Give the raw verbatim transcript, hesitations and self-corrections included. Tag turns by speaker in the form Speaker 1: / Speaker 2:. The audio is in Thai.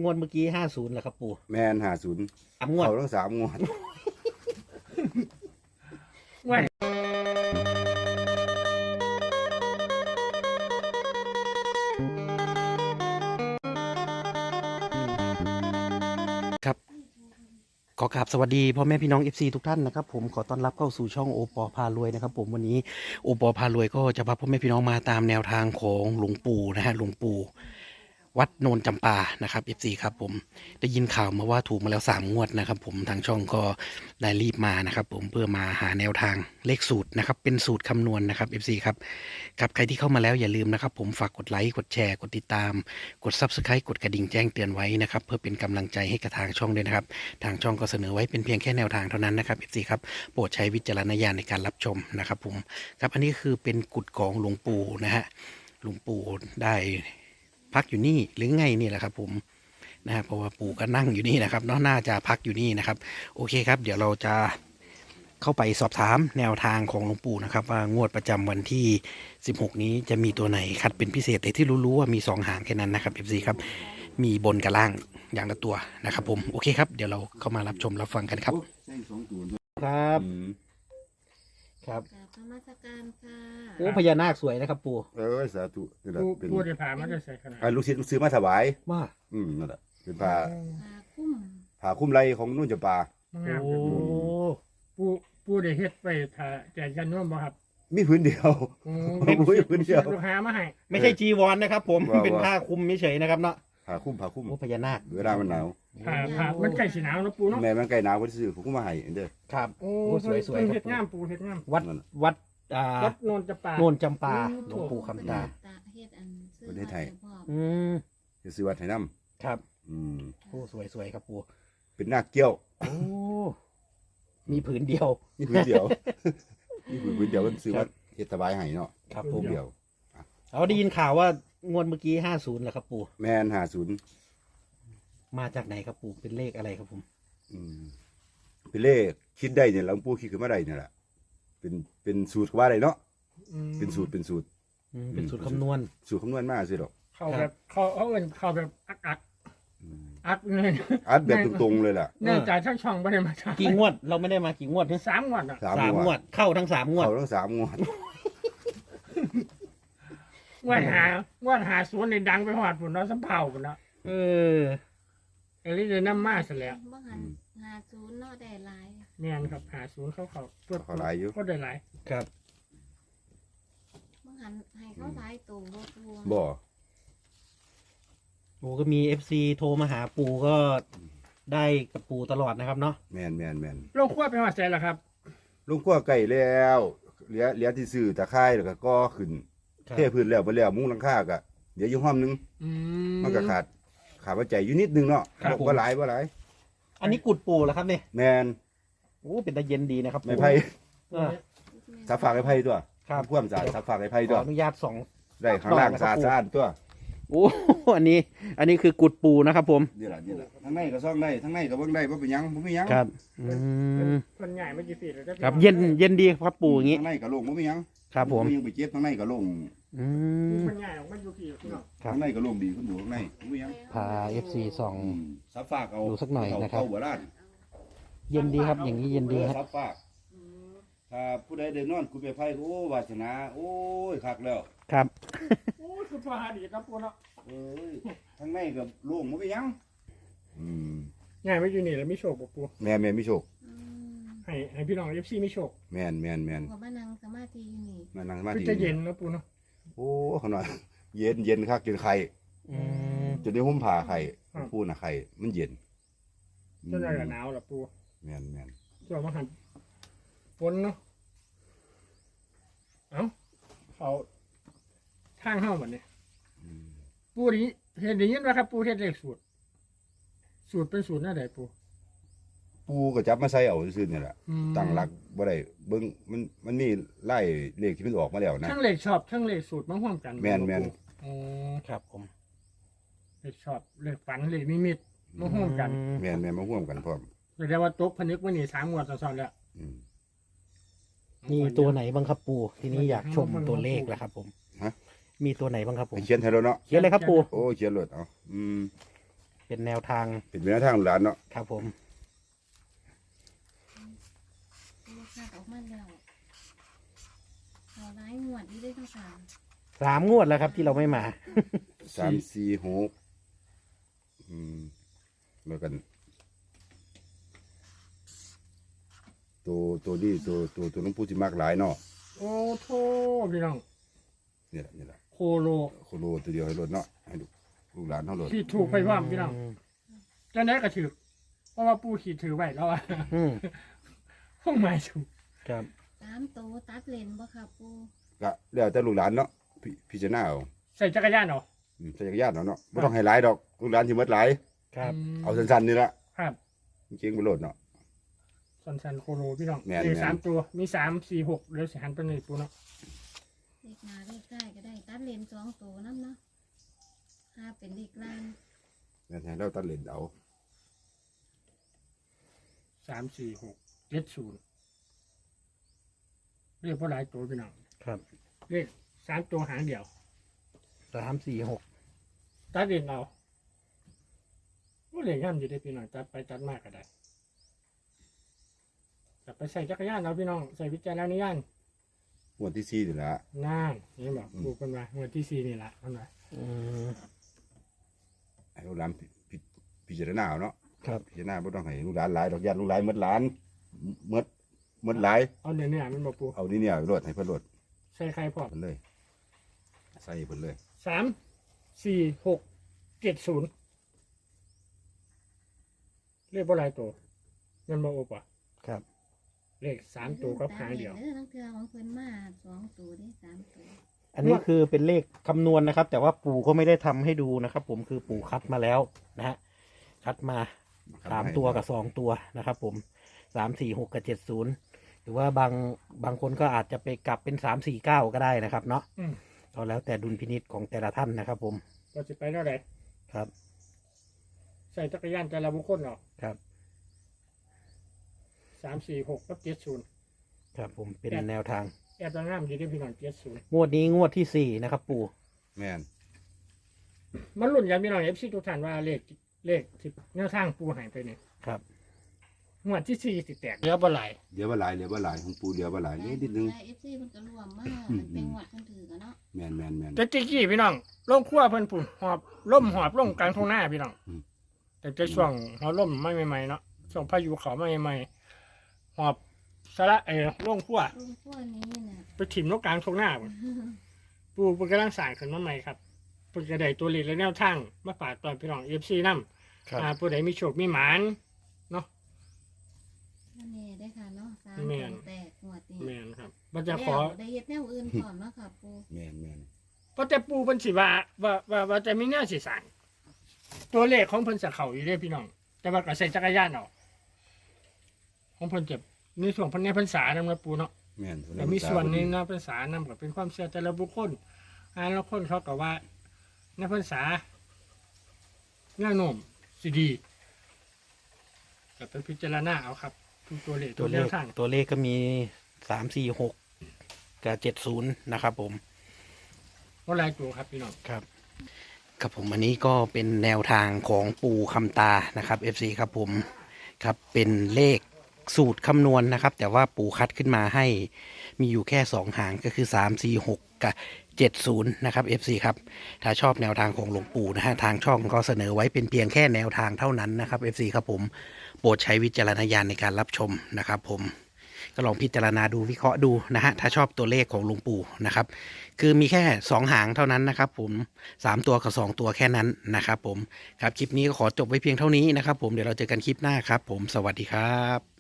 Speaker 1: งวดเมื่อกี้ห้าศูนย์เหรอครับปู่
Speaker 2: แมนหาศูนย์
Speaker 1: สามงวด
Speaker 2: เขาทั้งสามงวด
Speaker 3: ว่า
Speaker 1: ครับขอกราบสวัสดีพ่อแม่พี่น้อง เอฟ ซี ทุกท่านนะครับผมขอต้อนรับเข้าสู่ช่องโอปอพารวยนะครับผมวันนี้โอปอพารวยก็จะพาพ่อแม่พี่น้องมาตามแนวทางของหลวงปู่นะฮะหลวงปู่วัดโนนจำปานะครับ เอฟ ซี ครับผมได้ยินข่าวมาว่าถูกมาแล้วสามงวดนะครับผมทางช่องก็ได้รีบมานะครับผมเพื่อมาหาแนวทางเลขสูตรนะครับเป็นสูตรคำนวณนะครับ เอฟ ซี ครับกับใครที่เข้ามาแล้วอย่าลืมนะครับผมฝากกดไลค์กดแชร์กดติดตามกด ซับสไครบ์ กดกระดิ่งแจ้งเตือนไว้นะครับเพื่อเป็นกำลังใจให้กับทางช่องด้วยนะครับทางช่องก็เสนอไว้เป็นเพียงแค่แนวทางเท่านั้นนะครับ เอฟ ซี ครับโปรดใช้วิจารณญาณในการรับชมนะครับผมครับอันนี้คือเป็นกุฏของหลวงปู่นะฮะหลวงปู่ได้พักอยู่นี่หรือไงนี่แหละครับผมนะฮะเพราะว่าปู่ก็นั่งอยู่นี่นะครับเนาะน่าจะพักอยู่นี่นะครับโอเคครับเดี๋ยวเราจะเข้าไปสอบถามแนวทางของหลวงปู่นะครับว่างวดประจำวันที่สิบหกนี้จะมีตัวไหนคัดเป็นพิเศษแต่ที่รู้ๆว่ามีสองหางแค่นั้นนะครับ เอฟ ซี ครับมีบนกับล่างอย่างละตัวนะครับผมโอเคครับเดี๋ยวเราเข้ามารับชมรับฟังกันครับครับครับ
Speaker 4: กราบนมัสการค่ะ
Speaker 1: โอ้พญานาคสวยนะครับปู่
Speaker 2: เออสาธุนี่แหละ
Speaker 3: ผู้
Speaker 2: เป็น
Speaker 3: ผู้ได้ผ่ามันจะใส่ขนาด
Speaker 2: อ่าลูกศิษย์ลูกซื้อมาถวาย
Speaker 1: ว่า
Speaker 2: อืมนั่นแหละเป็นผ้า
Speaker 4: พาคุ้ม
Speaker 2: ผ้าคลุ้มไรของนุ่นจำปา
Speaker 3: งาม
Speaker 1: โอ้
Speaker 3: ผู้ผู้ได้เฮ็ดไปถ่าแจกกันโน้มบ่ครับ
Speaker 2: มีพื้นเดียว
Speaker 3: โอ้
Speaker 2: โอ้ยพื้นเดียว
Speaker 3: ลูกค้ามาให้
Speaker 1: ไม่ใช่จีวรนะครับผม
Speaker 2: ว่า
Speaker 1: เป็น
Speaker 2: ว่า
Speaker 1: ผ้าคลุมเฉยๆนะครับเนาะ
Speaker 2: ผ้าคลุ้มผ้าคลุ้ม
Speaker 1: โอ้พญานาค
Speaker 2: เวลามันหนาว
Speaker 3: ผ่าผ่ามันใกล้สิหนาวแล้วปูเนาะ
Speaker 2: แม่มันใกล้หนาวก็ซื้อผมก็มาให้เด้อ
Speaker 1: ครับ
Speaker 3: โอ้
Speaker 1: โอ้สวยๆ
Speaker 3: เพิ่น
Speaker 1: ครับ
Speaker 3: เฮ็ดงามปูเฮ็ดงาม
Speaker 1: วัด
Speaker 2: นั่นน่ะ
Speaker 1: วัดอ่า
Speaker 3: วัดโนนจะป่า
Speaker 1: โนนจำปา
Speaker 3: อืม
Speaker 1: หลวงปู่คำตา
Speaker 4: ตาเฮ็ดอันซื้อ
Speaker 2: ประเทศไทย
Speaker 4: พ่อ
Speaker 1: อืม
Speaker 2: จะซื้อวัดให้น้
Speaker 1: ครับ
Speaker 2: ำอืม
Speaker 1: โอ้สวยๆครับปู่
Speaker 2: เป็นนาคเกี้ยว
Speaker 1: โอ้มีผืนเดียว
Speaker 2: มีพื้นเดียว มีพื้นเดียวมันซื้อวัดเฮ็ดสบายให้เนาะ
Speaker 1: ครับ
Speaker 2: พื้
Speaker 1: ผม
Speaker 2: นเดียว
Speaker 1: เอาได้ยินข่าวว่างวดเมื่อกี้ห้าศูนย์เหรอครับปู่
Speaker 2: แม่นหาศูนย์
Speaker 1: มาจากไหนครับปู่เป็นเลขอะไรครับผม
Speaker 2: อืมเป็นเลขคิดได้เนี่ยหลวงปู่คิดขึ้นมาได้เนี่ยแหละเป็นเป็นสูตรว่าได้เนาะ
Speaker 3: อืม
Speaker 2: เป็นสูตรเป็นสูตร
Speaker 1: อืมเป็นสูตรคำนวณ
Speaker 2: สูตรคำนวณมากสิหรอก
Speaker 3: เข้าแบบเข้าเขาเอิ้นเข้าแบบอักอัก
Speaker 2: อืม
Speaker 3: อักเลย
Speaker 2: อัดแบบตรงๆเลยล่ะ
Speaker 3: เนื่องจากช่างช่องบ่ได้มาถ่าย
Speaker 1: กี่งวดเราไม่ได้มากี่งวดเนี่ย
Speaker 3: สามงวดอ่ะ
Speaker 2: สาม
Speaker 1: สาม
Speaker 2: ง
Speaker 1: ง
Speaker 2: ว
Speaker 1: ว
Speaker 2: ด
Speaker 1: ดเข้าทั้งสามงวด
Speaker 2: เขาทั้งสามงวด
Speaker 3: งวดหางวดหาสวนในดังไปฮอดพุ่นเนาะสำเภาพุ่นเนาะ
Speaker 1: เออ
Speaker 3: เอลิเลยนำมาซะแล้ว
Speaker 4: บ่หันหาศูนย์เนาะได้หลาย
Speaker 3: แม่นครับหาศูนย์เขาเขาเพื่อ
Speaker 2: เขาหลายอยู่
Speaker 3: ก็ได้หลาย
Speaker 1: ครับ
Speaker 4: บ่หันให้เขาหลายตัวบ่ตัว
Speaker 2: บ่
Speaker 1: โอ้ก็มีเอฟซีโทรมาหาปู่ก็ได้กับปู่ตลอดนะครับเนาะ
Speaker 2: แมนแมนแมน
Speaker 3: โลกขั้วไปฮอดใจแล้วครับ
Speaker 2: ลุงขั้วไก่แล้วเหลือเหลือที่ซื้อตะไคร้แล้วก็ก่อขึ้น
Speaker 1: ครับ
Speaker 2: เทพื้นแล้วไปแล้วมุ้งหลังคาก็เดี๋ยวอยู่ห้อมนึง
Speaker 3: อืม
Speaker 2: มันก็ขาดขาดปัจจัยอยู่นิดนึงเนาะ
Speaker 1: ครับผม
Speaker 2: บ่หลายบ่หลาย
Speaker 1: อันนี้กุดปู่เหรอครับเนี่ย
Speaker 2: แมน
Speaker 1: โอ้เป็นตาเย็นดีนะครับ
Speaker 2: ไม้
Speaker 1: ปู่
Speaker 2: ไผ่
Speaker 1: เออ
Speaker 2: สับฝากไม้ไผ่ตัว
Speaker 1: ครับ
Speaker 2: ความสะอาดสับฝากไม้ไผ่
Speaker 1: ข
Speaker 2: ตั
Speaker 1: อ
Speaker 2: ว
Speaker 1: อนุญาตส่อง
Speaker 2: ได้ข้างล่างสะอาดสะอาดตัว
Speaker 1: โอ้ อันนี้ อันนี้คือกุดปู่นะครับผม
Speaker 2: นี่ล่ะนี่ล่ะทั้งในก็ซ่องได้ทั้งในก็เบิ่งได้บ่เป็นหยังบ่มีหยัง
Speaker 1: ครับอืม
Speaker 3: คนใหญ่ไม่กี่ฟีตเลย
Speaker 1: ครับเย็นเย็นดีครับปู่อย่างงี้
Speaker 2: ทั้งในก็โล่งบ่มีหยัง
Speaker 1: ครับผม
Speaker 2: ยังไปเจ็บทั้งในก็โล่ง
Speaker 1: อืม
Speaker 3: คนใหญ่ออกมาอยู่กี่พี่น้อง
Speaker 1: ครับ
Speaker 2: ทั้งในก็โล่งดีคุณดูข้างในบ่มีหยัง
Speaker 1: พาเอฟซีส่อง
Speaker 2: อืมสับฝากเอา
Speaker 1: ดูสักหน่อยนะครับ
Speaker 2: เข้าหัวร้าน
Speaker 1: เย็นดีครับ อย่างนี้เย็นดีครับ
Speaker 2: สับฝากถ้าผู้ใดได้นอนคุณไปไพ่โอ้วาสนาโอ้ยคักแล้ว
Speaker 1: ครับ
Speaker 3: โอ้คือพอหาดีนะปูเนาะ
Speaker 2: เอ้ยทั้งในก็โล่งบ่มีหยังอืม
Speaker 3: ใหญ่ไม่อยู่นี่แล้วไม่โชคบ่ปู
Speaker 2: แม่แม่มีโชค
Speaker 4: อืม
Speaker 3: ให้ให้พี่น้องเอฟซีไม่โชค
Speaker 2: แม่นแม่นแม่น
Speaker 4: ก็มานั่งสมาธิอยู่นี่
Speaker 2: มานั่งสมา
Speaker 3: คือ
Speaker 2: ธิ
Speaker 3: จะเย็นนะปูเนาะ
Speaker 2: โอ้ขนาดเย็นเย็นคักจนไข่
Speaker 1: อืม
Speaker 2: จนได้ห่มผ้าไข่
Speaker 3: ครับ
Speaker 2: พูดน่ะไข่มันเย็น
Speaker 3: จนได้หนาวละปู
Speaker 2: แม่นแม่น
Speaker 3: ช่วงมาหันฝนเนาะเอ้าเขาทางเข้าบัดนี้
Speaker 2: อืม
Speaker 3: ปูนี้เห็นได้ยินว่าครับปูเฮ็ดเลขสูตร สูตรเป็นสูตรหน้าใดปู
Speaker 2: ปูก็จับมาใส่เอาซื่อๆนี่แหละ
Speaker 3: อืม
Speaker 2: ตั้งหลักบ่ได้เบิ่งมันมันมีไล่เลขที่มันออกมาแล้วนะ
Speaker 3: ทั้งเลขชอบทั้งเลขสูตรมาร่วมกัน
Speaker 2: แม่นแม่น
Speaker 3: อ๋อ
Speaker 1: ครับผม
Speaker 3: เลขชอบเลขฝันเลขนิมิตมาร่วมกัน
Speaker 2: แม่นแม่นมาร่วมกันพร้อม
Speaker 3: แสดงว่าตกพนึกว่านี่สามงวดซ้อนๆแล้ว
Speaker 2: อืม
Speaker 1: มีตัวไหนบ้างครับปู่ทีนี้อยากชมตัวเลขแล้วครับผม
Speaker 2: ฮะ
Speaker 1: มีตัวไหนบ้างครับผม
Speaker 2: ให้เขียนให้แล้วเนาะ
Speaker 1: เขียนเลยครับปู่
Speaker 2: โอ้เขียนเลยเอาอืม
Speaker 1: เป็นแนวทาง
Speaker 2: เป็นแนวทางลูกหลานเนาะ
Speaker 1: ครับผม
Speaker 4: ปูคาดออกมาแล้วเอาร้ายงวดที่ได้ทั้งสาม
Speaker 1: สามงวดแล้วครับที่เราไม่มา
Speaker 2: สามสี่หกอืมแล้วกัน ตัวตัวนี้ตัวตัวตัวหลวงปู่ที่มากหลายเนาะ
Speaker 3: โอ้โทพี่น้อง
Speaker 2: นี่แหละนี่แหละ
Speaker 3: โคโล
Speaker 2: โคโลตัวเดียวให้รถเนาะให้ลูกลูกหลานเท่ารถ
Speaker 3: ขีดถูกไปว่าพี่น้องจะไหนก็ถือเพราะว่าปูขีดถือไว้แล้วอะ
Speaker 1: อืม
Speaker 3: ห้องไม้ถูก
Speaker 1: ครับ
Speaker 4: สามตัวตัดเลนบ่ค่ะปู
Speaker 2: ก็แล้วแต่ลูกหลานเนาะพิพิจารณาเอา
Speaker 3: ใส่จักรยานเหรอ
Speaker 2: อืมใส่จักรยานเอาเนาะไม่ต้องให้หลายดอกลูกหลานที่หมดหลาย
Speaker 1: ครับ
Speaker 2: เอาสั้นๆนี่ละ
Speaker 3: ครับ
Speaker 2: จริงๆไปโหลดเนาะ
Speaker 3: สันสันโคโลพี่น้อง
Speaker 2: แม่น
Speaker 3: มี
Speaker 2: แม่น
Speaker 3: สามตัวมีสามสี่หกเดี๋ยวสิหันไปหนึ่งปูเนาะ
Speaker 4: เลขหน้าเลขท้ายก็ได้ตัดเลนสองตัวน้ำเนาะห้าเป็นเลขล่าง
Speaker 2: นั่นให้เราตัดเลนเอา
Speaker 3: สามสี่หกเจ็ดศูนย์เรียกว่าหลายตัวพี่น้อง
Speaker 1: ครับ
Speaker 3: เลขสามตัวหางเดียว
Speaker 1: สามสี่หก
Speaker 3: ตัดเด่นเอาว่าเหลี่ยย่ำอยู่ได้พี่น้องตัดไปตัดมากก็ได้แต่ไปใส่จักรยานเอาพี่น้องใส่วิจารณญาณ
Speaker 2: งวดที่สี่นี่ละ
Speaker 3: น่านนี่บอกปลูกกันมาเมื่อที่สี่นี่แหละเอาหน่อย
Speaker 1: อืม
Speaker 2: ให้ลูกหลานพิพิพิจารณาเอาเนาะ
Speaker 1: ครับ
Speaker 2: พิจารณาไม่ต้องให้ลูกหลานหลายดอกญาติลูกหลานหมดหลานหมดหมดหลาย
Speaker 3: เอาเนื้อเนื้อมันบอกปู
Speaker 2: เอานี่เนี่ยรถให้เพิ่นรถ
Speaker 3: ใส่ไข่พอ
Speaker 2: เพิ่นเลย ใส่เพิ่นเลย
Speaker 3: สามสี่หกเจ็ดศูนย์เลขบ่หลายตัวเงินบ่โอปะ
Speaker 1: ครับ
Speaker 3: เลขสามตัวกับหางเดียว
Speaker 4: เด้อทั้งเทือของเพิ่นมาสองตัวได้สามตัว
Speaker 1: อันนี้คือเป็นเลขคำนวณนะครับ แต่ว่าปู่ก็ไม่ได้ทำให้ดูนะครับ ผมคือปู่คัดมาแล้วนะฮะคัดมาสามตัวกับสองตัวนะครับ ผมสามสี่หกกับเจ็ดศูนย์หรือว่าบางบางคนก็อาจจะไปกลับเป็นสามสี่เก้าก็ได้นะครับ เนาะ
Speaker 3: อืม
Speaker 1: ก็แล้วแต่ดุลพินิจของแต่ละท่านนะครับ ผม
Speaker 3: เราจะไปเท่าไหร่
Speaker 1: ครับ
Speaker 3: ใส่จักรยานแต่ละบุคคลเนาะ
Speaker 1: ครับ
Speaker 3: สามสี่หกกับเจ็ดศูนย์
Speaker 1: ครับผมเป็นแนวทาง
Speaker 3: แอบงามอยู่ที่พี่น้องเจ็ดศูนย์
Speaker 1: งวดนี้งวดที่สี่นะครับ ปู่
Speaker 2: แม่น
Speaker 3: มันรุ่นกันพี่น้องเอฟซีทุกท่านว่าเลขเลขที่แนวทางปูหายไปเนี่ย
Speaker 1: ครับ
Speaker 3: งวดที่สี่สิแตกเหลือบ่หลาย
Speaker 2: เดี๋ยวว่าหลายเดี๋ยวว่าหลายของปูเดี๋ยวว่าหลายนิดนิดนึง
Speaker 4: เอฟซีเพิ่นก็รวมมามันเป็นงวดเพิ่นถือกันเนาะ
Speaker 2: แม่นแม่นแม่น
Speaker 3: แต่ตะกี้พี่น้องลงขั้วเพิ่นปุ่นหอบล่มหอบลงกลางทุ่งนาพี่น้อง
Speaker 2: อืม
Speaker 3: แต่จะช่วงหอบล่มไม่ใหม่ๆเนาะช่วงพายุเขาไม่ใหม่ๆหอบสาระเออลงขั้ว
Speaker 4: ลุงพวกนี้น่ะ
Speaker 3: ไปถิ่มนกกลางทุ่งนาพุ่นปูเพิ่นกำลังสร้างขึ้นมาใหม่ครับเพิ่นจะได้ตัวเลขและแนวทางมาฝากตอนพี่น้องเอฟซีนำ
Speaker 1: ครับ
Speaker 3: อ่าผู้ใดมีโชคมีหมานเนาะ
Speaker 4: นั่นแน่ได้อค่ะเนาะสาม
Speaker 3: แม่
Speaker 4: ตัวน แตกงวดนี้
Speaker 3: แม่นครับมันจะขอ
Speaker 4: แล้วได้เฮ็ดแนวอื่นพร้อมเนาะค่ะปู
Speaker 2: แม่นแม่น
Speaker 3: เพราะแต่ปูเพิ่นสิว่าว่าว่าว่าจะมีแนวสิสร้างตัวเลขของเพิ่นจะเข้าอยู่เด้อพี่น้อง แต่ว่าก็ใส่จักรยานเอาของเพิ่นจะในส่วนเพิ่นในพรรษานำนะปูเนาะ
Speaker 2: แม่น
Speaker 3: แต่มีส่วนในในพรรษานำก็เป็นความเชื่อแต่ละบุคคลอ่าแล้วคนเขาก็ว่าในพรรษาแนวโน้มสิดีก็ไปพิจารณาเอาครับทุกตัวเลข
Speaker 1: ตั
Speaker 3: ตัว ว
Speaker 1: เล
Speaker 3: แน
Speaker 1: ข
Speaker 3: วทาง
Speaker 1: ตัวเลขก็มีสามสี่หกกับเจ็ดศูนย์นะครับ ผม
Speaker 3: ว่าหลายตัวครับพี่น้อง
Speaker 1: ครับครับผมอันนี้ก็เป็นแนวทางของปู่คำตานะครับ เอฟ ซี ครับผมครับเป็นเลขสูตรคำนวณนะครับ แต่ว่าปู่คัดขึ้นมาให้มีอยู่แค่สองหางก็คือสามสี่หกกับเจ็ดศูนย์นะครับ เอฟ ซี ครับถ้าชอบแนวทางของหลวงปู่นะฮะทางช่องก็เสนอไว้เป็นเพียงแค่แนวทางเท่านั้นนะครับ เอฟ ซี ครับผมโปรดใช้วิจารณญาณในการรับชมนะครับ ผมก็ลองพิจารณาดูวิเคราะห์ดูนะฮะถ้าชอบตัวเลขของหลวงปู่นะครับ คือมีแค่สองหางเท่านั้นนะครับ ผมสามตัวกับสองตัวแค่นั้นนะครับ ผมครับคลิปนี้ก็ขอจบไว้เพียงเท่านี้นะครับ ผมเดี๋ยวเราเจอกันคลิปหน้าครับ ผมสวัสดีครับ